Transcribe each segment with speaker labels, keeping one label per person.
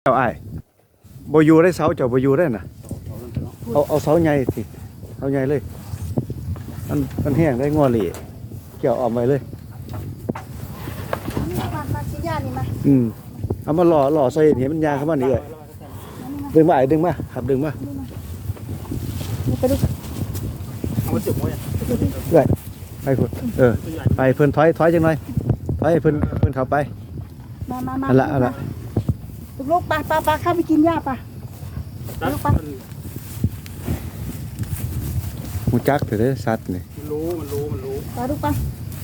Speaker 1: เจ้าอ้ายบ่อยู่ได้เสาเจ้าบ่อยู่ได้น่ะเอาเสาใหญ่สิเสาใหญ่เลยมันแห้งได้งัวเหล่เกี่ยวออกไปเลย
Speaker 2: มาชิ้นยานี่มา
Speaker 1: เอามาหล่อใส่เห็นมันยางเข้ามานี่เลยดึงมาดึงมาครับดึงมา
Speaker 2: ไปดู
Speaker 3: เอามาจุ่มไว้
Speaker 1: เลยไปพุ่นไปเพิ่นถอยจังหน่อยถอยเพิ่นเข้าไป
Speaker 2: มา
Speaker 1: อันละ
Speaker 2: ลูกปลาเข้าไปกินหญ้าปลาลูกปลา
Speaker 1: หูจักเถอะเด้อสัตว์นี่
Speaker 3: มันรู้
Speaker 2: ปลาลูกปลา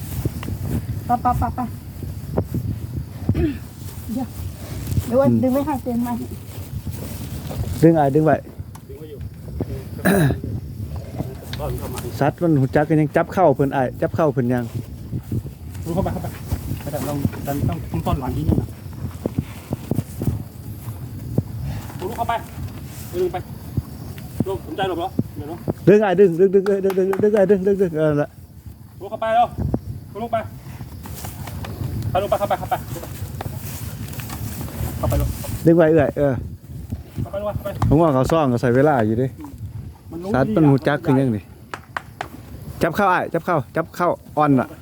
Speaker 2: เดี๋ยวดึงไว้ให้เต็มมา
Speaker 1: ดึงไว้
Speaker 3: อยู่
Speaker 1: สัตว์มันหูจักกันยังจับเข้าเพิ่นอ้ายจับเข้าเพิ่นยัง
Speaker 3: รู้เข้าไปแต่เราต้องต้นหลังที่นี่นะรู้เข้าไปดึงไปลงสนใจหรอกเหรอเดี๋ยว
Speaker 1: ดึงดึงละ
Speaker 3: รู้เข้าไปแล้วลงไปลงไปเข้าไปลง
Speaker 1: ดึงไว้
Speaker 3: เข้าไปลงไป
Speaker 1: ผมว่าเขาซ่องเขาใส่เวลาอยู่ดิสัตว์มันหูจักคือยังนี่จับเข้าจับเข้าอ่อนน่ะ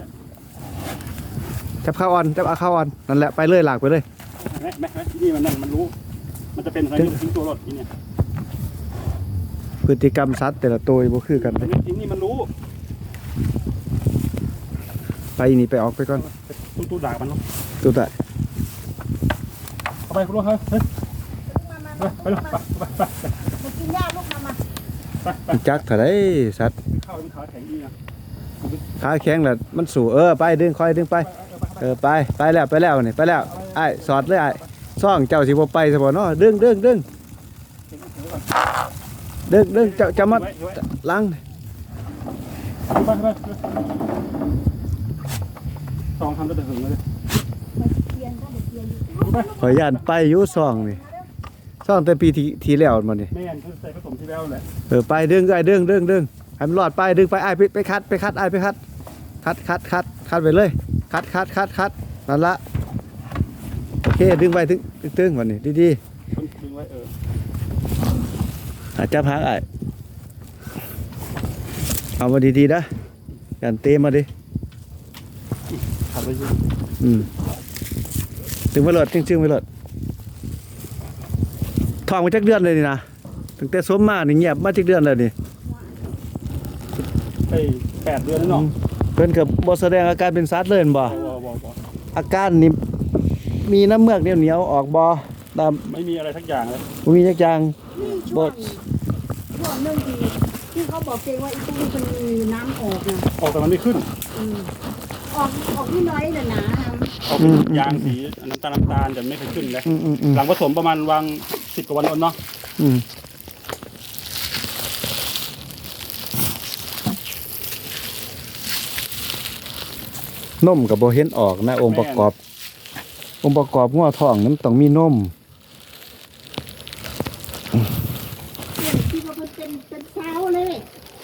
Speaker 1: จับเข้าอ่อนนั่นแหละไปเลยหลากไปเลย
Speaker 3: แม่นี่มันรู้มันจะเป็นอะไรทิ้งตัวรถนี่เนี่ย
Speaker 1: พฤติกรรมสัตว์แต่ละตัวบ่คือกัน
Speaker 3: นี่มันรู้
Speaker 1: ไปนี่ไปออกไปก่อน
Speaker 3: ตู้ด่ามันเนาะ
Speaker 1: ตู้ได้
Speaker 3: เข้าไปคุณลูกเฮ้ยไปลูกไป
Speaker 2: กินหญ้าลูกมา
Speaker 1: จักเท่าไรสัตว์
Speaker 3: ข้าวมันขาแข็งดีนะ
Speaker 1: ขาแข็งแหละมันสู่ไปดึงค่อยดึงไปไปแล้วนี่ไปแล้วไอ้สอดเลยไอ้ซ่องเจ้าสิบ่ไปซะบ่เนาะดึงจะมาล้าง
Speaker 3: สองทำก็จะถึงเลย
Speaker 1: ขออนุญาตไปอยู่ซ่องนี่ซ่องแต่ปีที่แล้วมันนี่
Speaker 3: แม่นคือใส่ผสมที่แล้วแหละ
Speaker 1: ไปดึงให้มันรอดไปดึงไปไอ้ไปคัดไอ้ไปคัดไปเลยคัดนั่นละโอเคดึงไปตึงวันนี้ดี
Speaker 3: ดึงไว้
Speaker 1: จับหางไอ้เอามาดีนะกันเตะมาดิ
Speaker 3: ขับไปยิง
Speaker 1: ถึงไปหลดจึงไปหลดทองมาจักเดือนเลยนี่นะถึงแต่สมมานี่เงียบมาจักเดือนเลยนี่
Speaker 3: ไป8 เดือนแล้วเนาะ
Speaker 1: เพิ่นกับบ่แสดงอาการเป็นสัตว์เลยบ่อาการนี่มีน้ำเมือกเหนียวออกบ่ตาม
Speaker 3: ไม่มีอะไรทักอย่างเลย
Speaker 1: บ่มีจักอย่าง
Speaker 2: บ่ช่วงนึงที่เขาบอกเองว่าอีตู้มันมีน้ำออกนะ
Speaker 3: ออกแต่มันไม่ขึ้น
Speaker 2: ออกที่น้อยน่ะนะ
Speaker 3: ออกเป็นยางสีน้ำตาลแต่ไม่เคยขึ้นเลยหลังผสมประมาณวาง10 กว่าวันเนาะ
Speaker 1: นมกับโบเห็นออกนะองค์ประกอบงัวทองนั้นต้องมีนม
Speaker 2: ที่ว่ามันเป็นเช้าเลย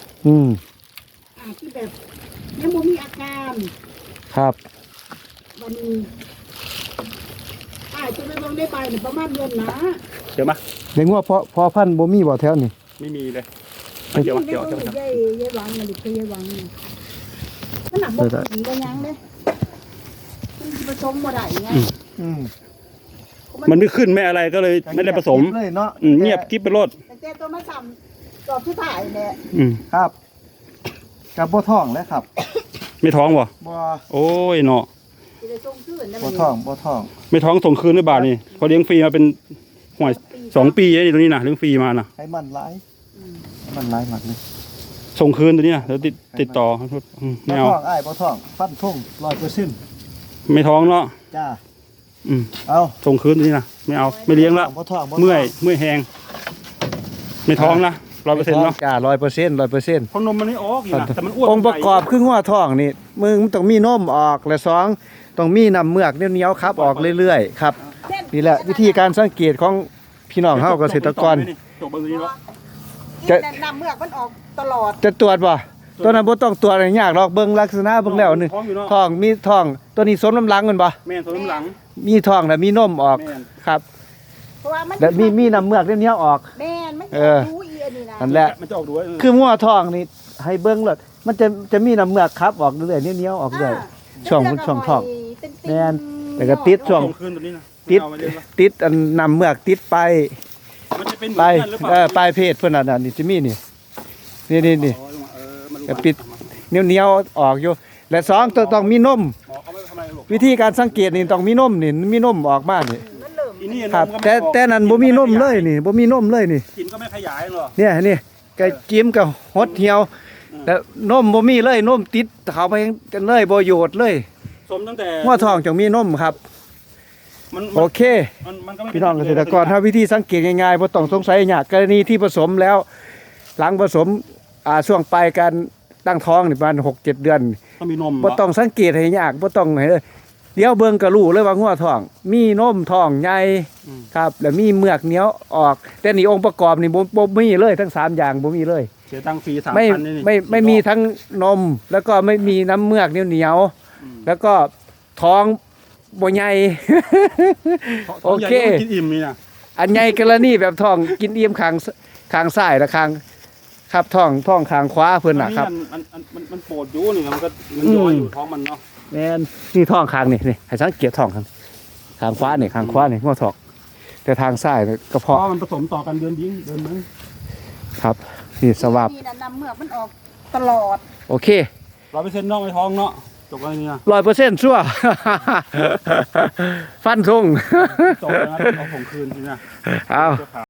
Speaker 2: ที่แบบยังบ่มีอาการ
Speaker 1: ครับ
Speaker 2: วันนี้จะไปลงได้ไปเนี่ยประมาณเดือนนะ
Speaker 3: เดี๋ยวมา
Speaker 1: เลี้ยงงัวพอพันธุ์บ่มีบ่แถวนี่
Speaker 3: ไม่มีเลย
Speaker 2: เดี๋ยวยายหวังเลยคือยายหวังมันหนักบ่ถึงก็ยังเลยมันผสมบ่ได้ไง
Speaker 3: มันไม่ขึ้นไม่อะไรก็เลยไม่ได้ผสมเงียบกิ๊บไปรถ
Speaker 2: แต่ตัวมาสั่งจอบที่ถ่ายเนี่ย
Speaker 1: ครับกับบ่ท้องแล้วครับ
Speaker 3: ไม่ท้องบ่
Speaker 1: บ่
Speaker 3: โอ้ยเนาะ
Speaker 1: บ่ท้อง
Speaker 3: ไม่ท้องส่งคืนหรือเปล่านี่เขาเลี้ยงฟรีมาเป็นห่วย2 ปีนี่ตรงนี้นะเลี้ยงฟรีมานะ
Speaker 1: ให้มันร้ายหมักเลย
Speaker 3: ส่งคืนตัวนี้นะแล้วติดต่อไม่เอา
Speaker 1: บ่ท้องฟันทุ่ง100%
Speaker 3: ไม่ท้องเนาะ
Speaker 1: จ้า
Speaker 3: เอาส่งคืนตัวนี้นะไม่เอาไม่เลี้ยงละเมื่อยแหงไม่ท้องนะ100%เนาะ
Speaker 1: จ้า100%
Speaker 3: เพราะนมมันไม่ออกนี่นะแต่มันอ้วน
Speaker 1: องค์ประกอบคืองัวท้องนี่มึงต้องมีนมออกและ2ต้องมีน้ำเมือกเหนียวครับออกเรื่อยๆครับนี่แหละวิธีการสังเกตของพี่น้องเฮาเกษตรกร
Speaker 2: จะน้ำเมือกมันออกตลอด
Speaker 1: จะตรวจบ่ตัวนั้นบ่ต้องตรวจอะไรยากหรอกเบิ่งลักษณะเบิ่งแล้วนี่ท้องมีท้องตัวนี้สมน้ำหลังแม่นบ่
Speaker 3: แม่นสมน้ำหลัง
Speaker 1: มีท้องแล้วมีนมออกครับ
Speaker 2: เพราะว่ามัน
Speaker 1: แล้วมีน้ำเมือกเนี้ยออก
Speaker 2: แม่นมัน
Speaker 1: เออ
Speaker 2: รู้อีอันนี้นะ
Speaker 1: นั่นแหละ
Speaker 3: มันจะออกด้วย
Speaker 1: คืองัวทองนี่ให้เบิ้งเลยมันจะมีน้ำเมือกครับออกเรื่อยๆเนี้ยออกเรื่อย ช่วงทอง แม่นแล้วก็ติดช่วง
Speaker 3: ส่งคืนตัวนี้นะ
Speaker 1: ติด
Speaker 3: ไม่เอามาเลี้ยงละ
Speaker 1: ติดอันน้ำเมือกติดไป
Speaker 3: มันจะเป็นเหมื
Speaker 1: ไป
Speaker 3: อนกันหรือเปล่า
Speaker 1: ปลายเพศเพื่อนน่ะนี่จะมีนี่นี่
Speaker 3: อ๋อมาดู
Speaker 1: จะปิด เนี้ยวออกอยู่และสองต้องมีนม
Speaker 3: หมอเขาไม่ทำอะไรหรอก
Speaker 1: วิธีการสังเกตนี่ต้องมีนมนี่มีนมออกมานี่
Speaker 2: มันเริ่ม
Speaker 3: อีนี่
Speaker 1: ครับ
Speaker 3: นมก็ไม่
Speaker 1: แต่
Speaker 3: ออก
Speaker 1: แต่นั้นบ่มีนมเลยนี่บ่มีนมเลยนี่
Speaker 3: กินก็ไม่ขยายหรอก
Speaker 1: เนี่ยนี่ก็จิ้มกับหดเหี่ยวแล้วนมบ่มีเลยนมติดเขาไปกันเลยบ่โยดเลย
Speaker 3: สมตั้งแต่
Speaker 1: หัวทองจงมีนมครับ
Speaker 3: มัน
Speaker 1: โอเค
Speaker 3: มันก็ไม่
Speaker 1: พี่น้องเกษตรกรถ้าวิธีสังเกตง่ายๆบ่ต้องสงสัยยากกรณีที่ผสมแล้ว หลังผสมช่วงปลายการตั้งท้องนี่ประมาณ6-7 เดือน
Speaker 3: ต้องมีนม
Speaker 1: บ่ต้องสังเกตให้ยากบ่ต้องให้เลยเดี๋ยวเบิ่งก็รู้เลยว่างัวท้อง มีนมท้องใหญ่ครับ แล้วมีเมือกเหนียวออก แต่นี่องค์ประกอบนี่บ่มีเลยทั้ง3อย่างบ่มีเลย
Speaker 3: เสียตังค์ฟรี
Speaker 1: ไม่
Speaker 3: 3,000นี่
Speaker 1: ไม่มีทั้งนม แล้วก็ไม่มีน้ำเมือกเหนียวๆแล้วก็ท้องบ่ใหญ่ โอเค
Speaker 3: กินอิ่มนี่นะ
Speaker 1: อันใหญ่กรณีแบบท้องกินเอี่ยมข้างซ้ายและข้างครับท้องข้างขวาเพิ่นน่ะครับ
Speaker 3: มันโปรดอยู่นี่มันก็มันย้อยอยู่ท้องมันเนาะ
Speaker 1: แม่นนี่ท้องข้างนี่ให้สังเกตท้องข้างขวานี่งัวท้องแต่ทางซ้ายนี่กระ
Speaker 3: เพราะ
Speaker 1: เพาะ
Speaker 3: มันผสมต่อกันเดือนยิงเดือนนึง
Speaker 1: ครับนี่สวาบ
Speaker 2: นี่นะน้ำเมือกมันออกตลอด
Speaker 1: โอเค
Speaker 3: 100%นอกในท้องเนาะจบกันนี่นะ
Speaker 1: 100%ชั่ว ฟันธง
Speaker 3: จบแล้วนะเอาส่งคืนนี่นะ
Speaker 1: เอา